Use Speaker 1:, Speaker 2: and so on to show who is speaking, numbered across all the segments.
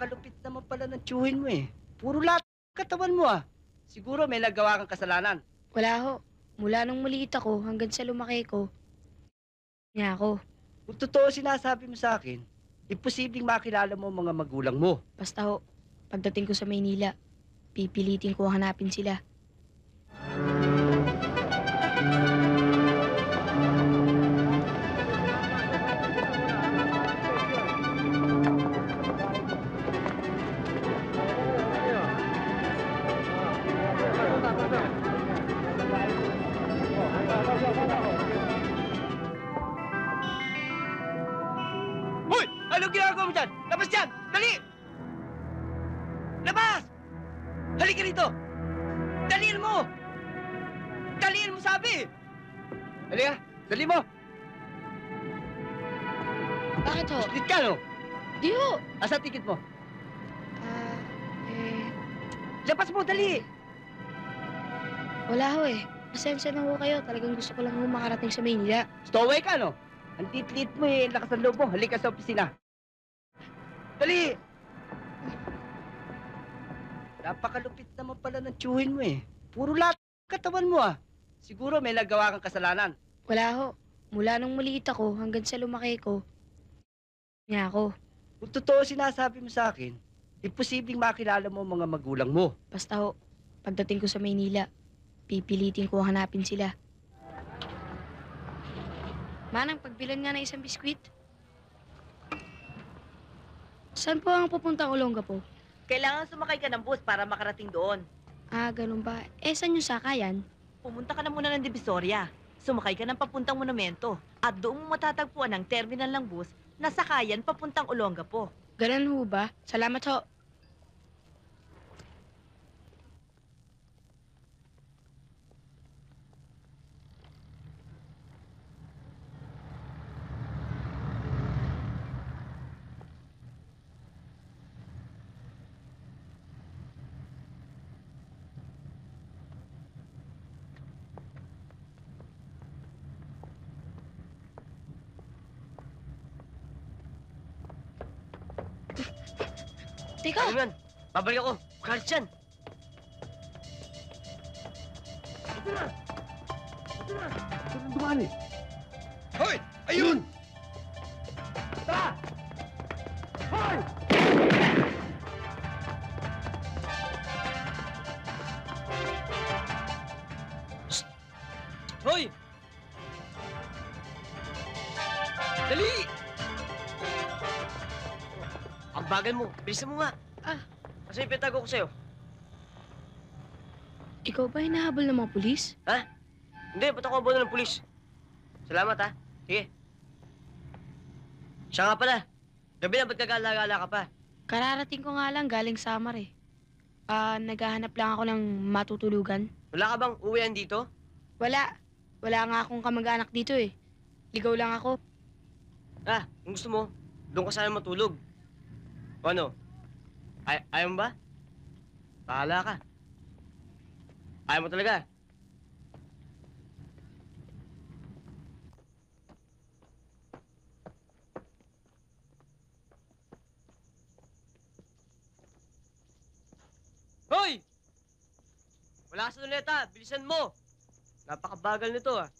Speaker 1: Napakalupit naman pala ng tiyuhin mo eh. Puro lahat ng katawan mo ah. Siguro may nagawa kang kasalanan.
Speaker 2: Wala ho. Mula nung maliit ako hanggang sa lumaki ko, niya ako.
Speaker 1: Kung totoo sinasabi mo sa akin, imposibleng makilala mo ang mga magulang mo.
Speaker 2: Basta ho, pagdating ko sa Maynila, pipilitin ko hanapin sila.
Speaker 1: Hoy! Anong ginagawa mo dyan? Labas dyan! Dali! Labas! Halika rito! Daliin mo! Daliin mo sabi! Halika! Dali mo!
Speaker 2: Bakit ho?
Speaker 1: Split ka no?
Speaker 2: Di ho!
Speaker 1: Asa ticket mo?
Speaker 2: Ah, eh,
Speaker 1: Labas mo! Dali!
Speaker 2: wala ho eh. Pasensya na ho kayo. Talagang gusto ko lang ho makarating sa Maynila.
Speaker 1: Stowaway ka no? Ang titlit mo eh. Lakas ng loob mo. Halika sa opisina. Dali! Napakalupit naman pala ng tiyuhin mo eh. Puro lahat ng katawan mo ah. Siguro may nagawa kang kasalanan.
Speaker 2: Wala ho. Mula nung maliit ako hanggang sa lumaki ko, niya ako.
Speaker 1: Kung totoo sinasabi mo sa akin, imposibleng makilala mo ang mga magulang mo.
Speaker 2: Basta ho, pagdating ko sa Maynila, pipilitin ko hanapin sila. Manang, pagbilan nga ng isang biskwit. Saan po ang pupuntang Olongapo?
Speaker 3: Kailangan sumakay ka ng bus para makarating doon.
Speaker 2: Ah, ganun ba? Eh, saan yung sakayan?
Speaker 3: Pumunta ka na muna ng Divisoria. Sumakay ka ng papuntang monumento. At doon mo matatagpuan ang terminal ng bus na sakayan papuntang Olongapo.
Speaker 2: Ganun ho ba? Salamat ho. Teka!
Speaker 1: Ano yan? Babalik ako. Kahit yan. Saan dumaan eh? Hoy! Ayun! Tara! Hoy! Shh! Hoy! Dali! Ang bagal mo. Bilisan mo nga.
Speaker 2: Ah.
Speaker 1: Kasi yung pinatago ko sa'yo.
Speaker 2: Ikaw ba hinahabol ng mga pulis?
Speaker 1: Hindi, ba't ako abono ng pulis? Salamat, ha? Sige. Siya nga pala. Gabi na, ba't kagala-gala ka pa?
Speaker 2: Kararating ko nga lang galing Samar eh. Naghahanap lang ako ng matutulugan.
Speaker 1: Wala ka bang uwian dito?
Speaker 2: Wala. Wala nga akong kamag-anak dito eh. Ligaw lang ako.
Speaker 1: Kung gusto mo, doon ka sana matulog. O ano? Ayaw mo ba? Bahala ka. Ayaw mo talaga. Hoy! Wala ka sa luneta. Bilisan mo. Napakabagal nito ah.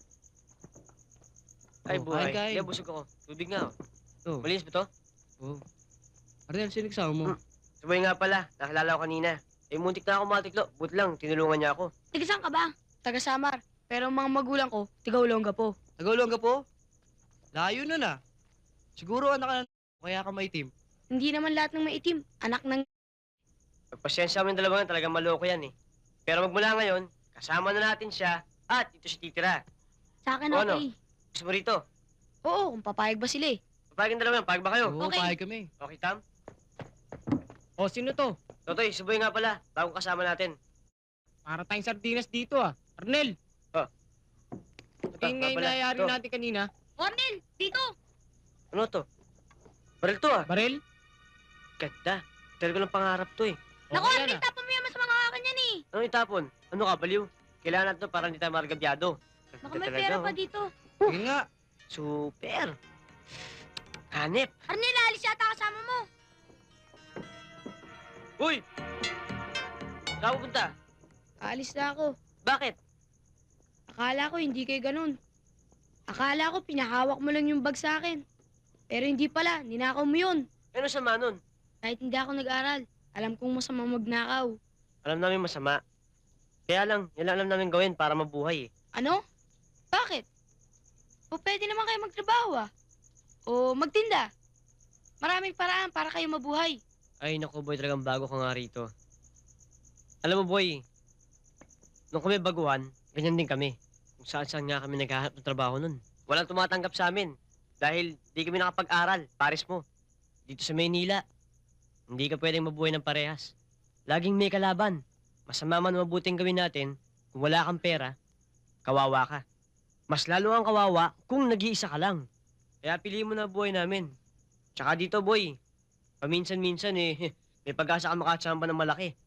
Speaker 1: Ay, buhay.
Speaker 4: kain.
Speaker 1: Hindi, busog ako. Tubig nga oh.
Speaker 4: Oh.
Speaker 1: Malinis ba to?
Speaker 4: Oh. Arnel, sino kasama mo?
Speaker 1: Sabay nga pala. Nakilala ko kanina. Eh, muntik na ako matiklo. Buti lang, tinulungan niya ako.
Speaker 2: Taga saan ka ba? Taga Samar. Pero ang mga magulang ko, tiga Olongapo.
Speaker 4: Nagulong ka po? Layo nun ah. Siguro anak ka na kaya ka maitim.
Speaker 2: Hindi naman lahat ng maitim. Anak ng...
Speaker 1: Pagpasensya mo yung dalawa nga, talagang maloko yan eh. Pero magmula ngayon, kasama na natin siya at ito si titira.
Speaker 2: Sa akin
Speaker 1: O, ano?
Speaker 2: okay.
Speaker 1: Gusto mo rito?
Speaker 2: Oo, kung papayag ba sila eh.
Speaker 1: Papayag yung dalawa yan. Payag ba kayo?
Speaker 4: Oo,
Speaker 2: Okay.
Speaker 4: pahig kami.
Speaker 1: Okay, Tam?
Speaker 4: O, sino to?
Speaker 1: Totoy, suboy nga pala. Bagong kasama natin.
Speaker 4: Para tayong sardinas dito ah. Arnel!
Speaker 1: Ito,
Speaker 4: Yung nga
Speaker 1: nga pala.
Speaker 4: inayari
Speaker 1: Ito.
Speaker 4: natin kanina.
Speaker 2: Cornel, dito!
Speaker 1: Ano to? Baril to ah.
Speaker 4: Baril?
Speaker 1: Ganda. Talaga ng pangarap to eh.
Speaker 2: Naku,
Speaker 4: Okay
Speaker 2: Cornel,
Speaker 4: yan ah.
Speaker 2: tapon mo yan sa mga kakan yan eh.
Speaker 1: Ano itapon? Ano ka, baliw? Kailangan natin to para hindi tayo maragabyado.
Speaker 2: Naku, may pera pa dito.
Speaker 4: Sige nga.
Speaker 1: Super. Hanep.
Speaker 2: Arnel, alis yata kasama mo.
Speaker 1: Uy! Saan ka pupunta?
Speaker 2: Aalis na ako.
Speaker 1: Bakit?
Speaker 2: Akala ko hindi kayo ganun. Akala ko pinahawak mo lang yung bag sa akin. Pero hindi pala, ninakaw mo yun.
Speaker 1: Ano sama nun?
Speaker 2: Kahit hindi ako nag-aral, alam kong masama magnakaw.
Speaker 1: Alam namin masama. Kaya lang, yan lang alam namin gawin para mabuhay eh.
Speaker 2: Ano? Bakit? O pwede naman kayo magtrabaho ah. O magtinda. Maraming paraan para kayo mabuhay.
Speaker 1: Ay, naku boy, talagang bago ka nga rito. Alam mo boy, nung kami baguhan, ganyan din kami. Kung saan-saan nga kami naghahanap ng trabaho nun. Walang tumatanggap sa amin. Dahil di kami nakapag-aral, pares mo. Dito sa Maynila, hindi ka pwedeng mabuhay ng parehas. Laging may kalaban. Masama man mabuting gawin natin, kung wala kang pera, kawawa ka. Mas lalo ang kawawa kung nag-iisa ka lang. Kaya piliin mo na buhay namin. Tsaka dito boy, paminsan-minsan eh, may pag-asa ka makachamba ng malaki.